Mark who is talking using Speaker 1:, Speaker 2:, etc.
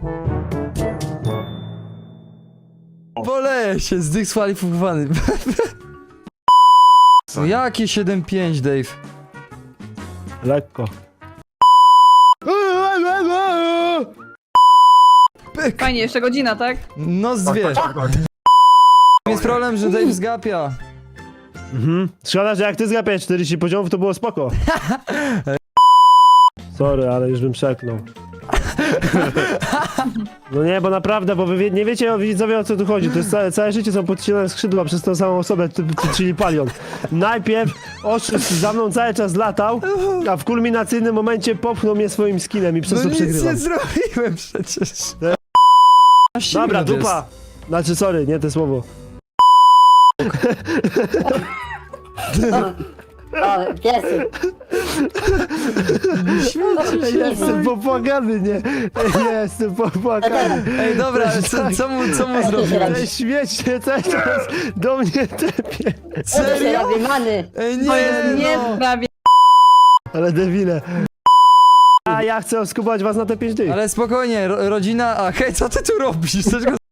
Speaker 1: Boleję się, zdyskwalifikowany. No jakie 7-5, Dave?
Speaker 2: Lekko.
Speaker 1: Pyk.
Speaker 3: Fajnie, jeszcze godzina, tak?
Speaker 1: No z dwie. Jest problem, że Dave zgapia.
Speaker 2: Szkoda, że jak ty zgapiałeś 40 poziomów, to było spoko. Sorry, ale już bym przeknął. No nie, bo naprawdę, bo wy nie wiecie, widzowie, o co tu chodzi. To jest całe życie są podcinane skrzydła przez tą samą osobę, czyli Palion. Najpierw oszust za mną cały czas latał, a w kulminacyjnym momencie popchnął mnie swoim skinem i przez
Speaker 1: No
Speaker 2: to
Speaker 1: nic
Speaker 2: przegrywam.
Speaker 1: nie zrobiłem przecież.
Speaker 2: Dobra, dupa! Znaczy, sorry, nie to słowo.
Speaker 4: O, piesy.
Speaker 2: Jestem popłakany, nie? Jestem popłakany.
Speaker 1: Ej, dobra, co mu zrobiłeś?
Speaker 2: Ten śmieć się cały czas do mnie tepie.
Speaker 4: Co się
Speaker 1: Serio?
Speaker 4: robi, many?
Speaker 1: Ej,
Speaker 3: To jest
Speaker 1: nie,
Speaker 3: nie
Speaker 1: no.
Speaker 3: sprawie.
Speaker 2: Ale debile. A ja chcę oskubać was na te 5 dych.
Speaker 1: Ale spokojnie, rodzina... A hej, co ty tu robisz? Chcesz go